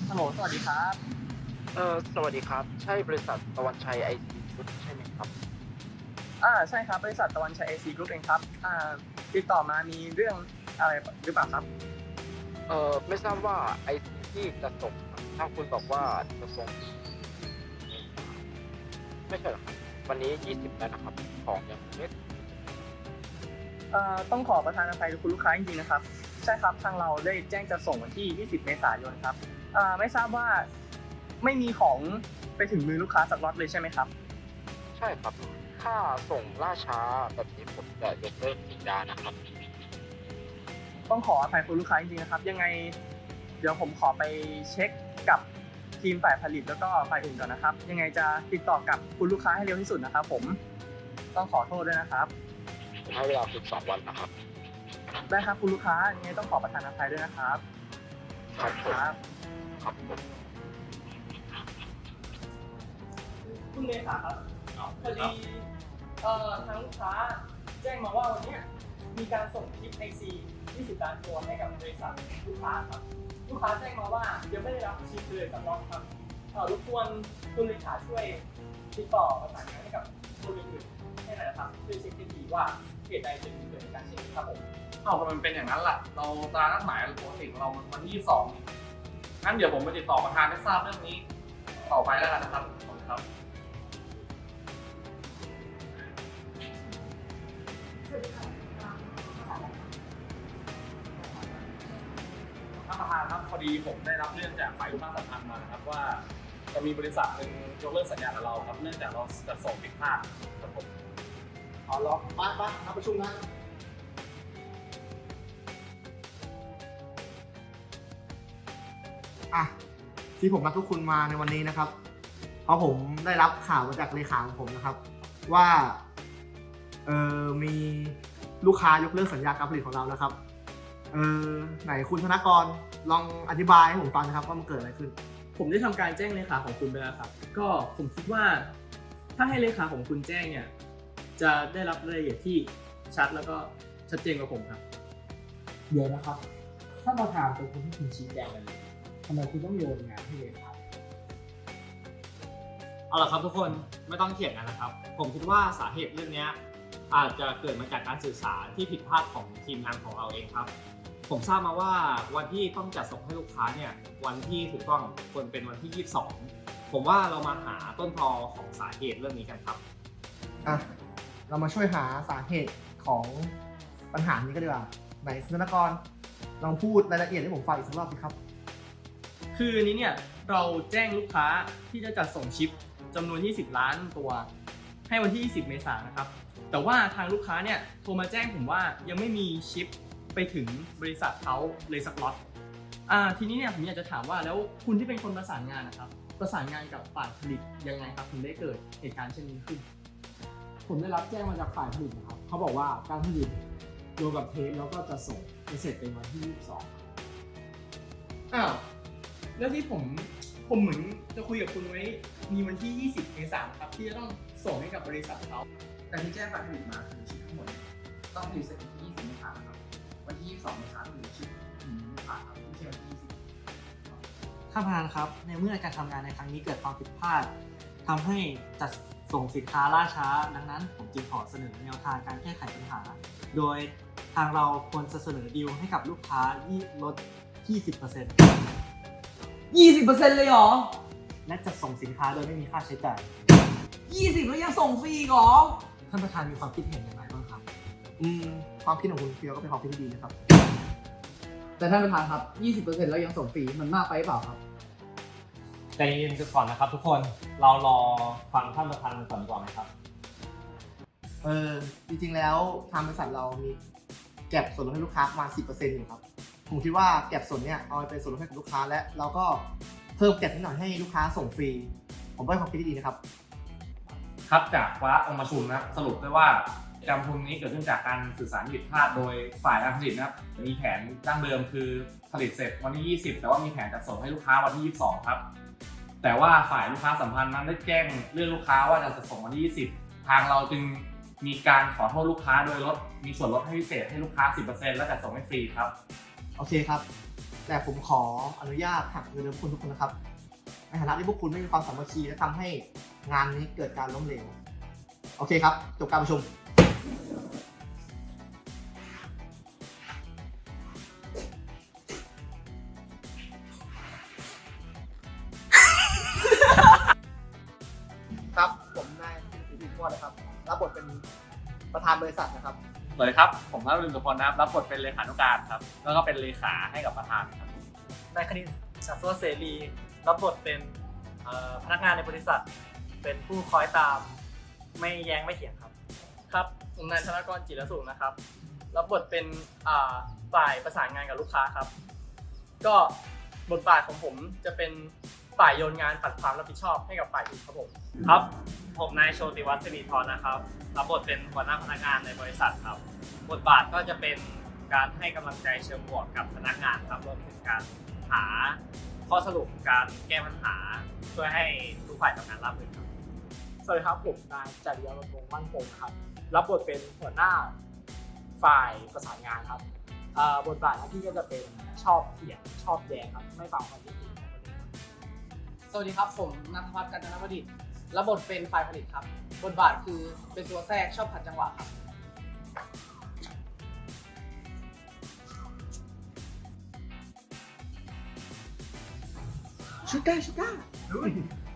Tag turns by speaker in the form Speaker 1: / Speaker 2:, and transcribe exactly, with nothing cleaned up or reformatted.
Speaker 1: ฮัลโหลสวัสดีครับ
Speaker 2: เออสวัสดีครับใช่บริษัทตะวันชัยไอทีกรุ๊ปใช่ไหมครับ
Speaker 1: อ่าใช่ครับบริษัทตะวันชัย เอ ซี Group เองครับอ่าติดต่อมามีเรื่องอะไรหรือเปล่าครับ
Speaker 2: เออไม่ทราบว่าไอทีที่จะส่งครับถ้าคุณบอกว่าจะส่งไม่ใช่หรอครับวันนี้ยี่สิบแล้วนะครับของยังไม่
Speaker 1: เอ่อต้องขอประทานอภัยคุณลูกค้าจริงๆนะครับใช่ครับทางเราได้แจ้งจะส่งวันที่ยี่สิบเมษายนครับอ่าไม่ทราบว่าไม่มีของไปถึงมือลูกค้าสักล็อตเลยใช่ไหมครับ
Speaker 2: ใช่ครับถ้าส่งล่าช้าแบบนี้ผมจะยกเลิกสัญญานะครับ
Speaker 1: ต้องขออภัยคุณลูกค้าจริงๆนะครับยังไงเดี๋ยวผมขอไปเช็คกับทีมฝ่ายผลิตแล้วก็ฝ่ายอื่นก่อนนะครับยังไงจะติดต่อกับคุณลูกค้าให้เร็วที่สุดนะครับผมต้องขอโทษด้วยนะครับ
Speaker 2: ผมให้เวลาคุณสองวันนะครับ
Speaker 1: ได้ครับคุณลูกค้ายังไงต้องขอประทานอภัยด้วยนะครับ
Speaker 2: ครับผม
Speaker 1: ครับ
Speaker 2: ครับผม
Speaker 1: คุณเลขาครับพอดีเอ่อทางลูกค้าแจ้งมาว่าวันนี้มีการส่งคลิป ไอ ซี ยี่สิบ ล้านตัวให้กับบริษัทลูกค้าครับลูกค้าแจ้งมาว่ายังไม่ได้รับชิปเลยสักล็อตครับเอ่อรบกวนคุณเลขาช่วยติดต่อประสานงานให้กับคนอื่นๆให้หน่อยนะครับช่วยเช็คให้ดีว่าเหตุใดจึงเกิดการเช็คครับผม
Speaker 3: เอาทำไมมันเป็นอย่างนั้นล่ะ เราตารางนัดหมายปกติของเรามันวันที่ยี่สิบสองนี่งั้นเดี๋ยวผมไปติดต่อประธานให้ทราบเรื่องนี้ต่อไปแล้วกันนะครับขอบคุณครับท่านประธานครับพอดีผมได้รับเรื่องจากฝ่ายลูกค้าสัมพันธ์มานะครับว่าจะมีบริษัทหนึ่งยกเลิกสัญญากับเราครับเนื่องจากเราจะส่งผิดพลาดครับผม
Speaker 4: เอาล็อกบ้านบ้านนัดประชุมนะอ่ะที่ผมนัดทุกคุณมาในวันนี้นะครับ เพราะผมได้รับข่าวมาจากเลขาของผมนะครับ ว่าเออมีลูกค้ายกเลิกสัญญาการผลิตของเรานะครับเออไหนคุณธนกรลองอธิบายให้ผมฟังนะครับว่ามันเกิดอะไรขึ้น
Speaker 1: ผมได้ทำการแจ้งเลขาของคุณไปแล้วครับก็ผมคิดว่าถ้าให้เลขาของคุณแจ้งเนี่ยจะได้รับรายละเอียดที่ชัดแล้วก็ชัดเจนกว่าผมครับ
Speaker 4: เดี๋ยวนะครับถ้านประธานเป็นคนที่คุณชี้แจงกันเลยทำไมคุณต้องโยนงานให้เลขา
Speaker 5: เอาล่ะครับทุกคนไม่ต้องเถียงกันนะครับผมคิดว่าสาเหตุเรื่องนี้อาจจะเกิดมาจากการสื่อสารที่ผิดพลาดของทีมงานของเราเองครับผมทราบมาว่าวันที่ต้องจัดส่งให้ลูกค้าเนี่ยวันที่ถูกต้องควรเป็นวันที่ยี่สิบสองผมว่าเรามาหาต้นตอของสาเหตุเรื่องนี้กันครับ
Speaker 4: อ่ะเรามาช่วยหาสาเหตุของปัญหานี้กันดีกว่าไหนคุณธนกรลองพูดรายละเอียดให้ผมฟังอีกสักรอบสิครับ
Speaker 1: คืออันนี้เนี่ยเราแจ้งลูกค้าที่จะจัดส่งชิปจำนวนยี่สิบล้านตัวให้วันที่ยี่สิบเมษายนนะครับแต่ว่าทางลูกค้าเนี่ยโทรมาแจ้งผมว่ายังไม่มีชิปไปถึงบริษัทเขาเลยสักล็อตอ่าทีนี้เนี่ยผมอยากจะถามว่าแล้วคุณที่เป็นคนประสานงานนะครับประสานงานกับฝ่ายผลิตยังไงครับถึงได้เกิดเหตุการณ์เช่นนี้ขึ้น
Speaker 4: ผมได้รับแจ้งมาจากฝ่ายผลิตนะครับเขาบอกว่าการผลิตรวมกับเทปแล้วก็จะส่งไปเสร็จเป็นวันที่ยี่สิบสอง
Speaker 1: อ้าวแล้วที่ผมผมเหมือนจะคุยกับคุณไว้มีวันที่ยี่สิบเมษายนครับที่จะต้องส่งให้กับบริษัทเขา
Speaker 6: แต่ที่แจ้งฝ่ายผลิตมาคือชิปทั้งหมดต้องผลิตเสร็จวันที่ยี่สิบเมษายนครับวันที่ยี่สิบสองเมษายนคือชิปถึงลูกค้าครับไม่ใช่วันที่ยี่สิบ
Speaker 5: ท่านประธานครับในเมื่อการทำงานในครั้งนี้เกิดความผิดพลาดทำให้จัดส่งสินค้าล่าช้าดังนั้นผมจึงขอเสนอแนวทางการแก้ไขปัญหา โดยทางเราควรจะเสนอดีลให้กับลูกค้าลด ยี่สิบเปอร์เซ็นต์
Speaker 6: ยี่สิบเปอร์เซ็นต์เลยเหรอ
Speaker 5: และจัดส่งสินค้าโดยไม่มีค่าใช้จ่าย
Speaker 6: ยี่สิบแล้วยังส่งฟรีอีกเหรอ
Speaker 5: ท่านประธานมีความคิดเห็นอย่างไรบ้างครับ
Speaker 4: อืมความคิดของคุณเฟียวก็เป็นความคิดที่ดีนะครับ
Speaker 6: แต่ท่านประธานครับ ยี่สิบเปอร์เซ็นต์แล้วยังส่งฟรีมันมากไปหรือเปล่าครับ
Speaker 5: ใจเย็นก่อนนะครับทุกคนเรารอฟังท่านประธานก่อนดีกว่าไหมครับ
Speaker 4: เออจริงๆแล้วทางบริษัทเรามีเก็บส่วนลดให้ลูกค้าประมาณ สิบเปอร์เซ็นต์ อยู่ครับผมคิดว่าเก็บส่วนเนี้ยเอาไปเป็นส่วนลดให้กับลูกค้าและเราก็เพิ่มเก็บนิดหน่อยให้ลูกค้าส่งฟรีผมว่าเป็นความคิดที่ดีนะครับ
Speaker 3: ครับจากวาระองค์ประชุมนะครับสรุปได้ว่าการประชุมนี้เกิดขึ้นจากการสื่อสารผิดพลาดโดยฝ่ายการผลิตนะครับมีแผนดั้งเดิมคือผลิตเสร็จวันที่ยี่สิบแต่ว่ามีแผนจัดส่งให้ลูกค้าวันที่ยี่สิบสองครับแต่ว่าฝ่ายลูกค้าสัมพันธ์นั้นได้แจ้งเรื่องลูกค้าว่าจะจัดส่งวันที่ยี่สิบทางเราจึงมีการขอโทษลูกค้าโดยลดมีส่วนลดให้พิเศษให้ลูกค้า สิบเปอร์เซ็นต์ และจัดส่งให้ฟรีครับ
Speaker 4: โอเคครับแต่ผมขออนุญาตหักเงินเดือนพวกคุณทุกคนนะครับในฐานะที่พวกคุณไม่มีความสามัคคีและทำให้งานนี้เกิดการล้มเหลวโอเคครับจบการประชุมครับผมนายสิริพิพรนะครับรับบทเป็นประธานบริษัทนะครับ
Speaker 3: สวัสดีครับผมพระรุ่นสุพลนะครับรับบทเป็นเลขานุการครับแล้วก็เป็นเลขาให้กับประธานครับ
Speaker 7: นายคณิตชัสวเสรีรับบทเป็นเอ่อพนักงานในบริษัท เป็นผู้คอยตามไม่แย้งไม่เถียงครับ
Speaker 1: ครับผมนายธนกรจิรสุขนะครับรับบทเป็นอ่าฝ่ายประสานงานกับลูกค้าครับ ก็บทบาทของผมจะเป็นฝ่ายโยนงานปัดความรับผิดชอบให้กับฝ่ายอื่นครับผม
Speaker 7: ครับ ผมนายโชติวัฒน์สิริธรนะครับรับบทเป็นหัวหน้าพนักงานในบริษัทครับ บทบาทก็จะเป็นการให้กำลังใจเชิงบวกกับพนักงานครับรวมถึงการหาข้อสรุปการแก้ปัญหาช่วยให้ทุกฝ่ายทำงานราบรื่นครับ
Speaker 8: สวัสดีครับผมนายจริยบำรุงมั่นคงครับรับบทเป็นหัวหน้าฝ่ายประสานงานครับอ่าบทบาทหน้าที่ก็จะเป็นชอบเถียงชอบแย้งครับไม่ฟังความคิดเห็นของคนอื่นครับ
Speaker 9: สวัสดีครับผมนัทพัฒน์กัญจนประดิษฐ์รับบทเป็นฝ่ายผลิตครับบทบาทคือเป็นตัวแทรกชอบขัดจังหวะครับ
Speaker 4: ชูก้าชูก้า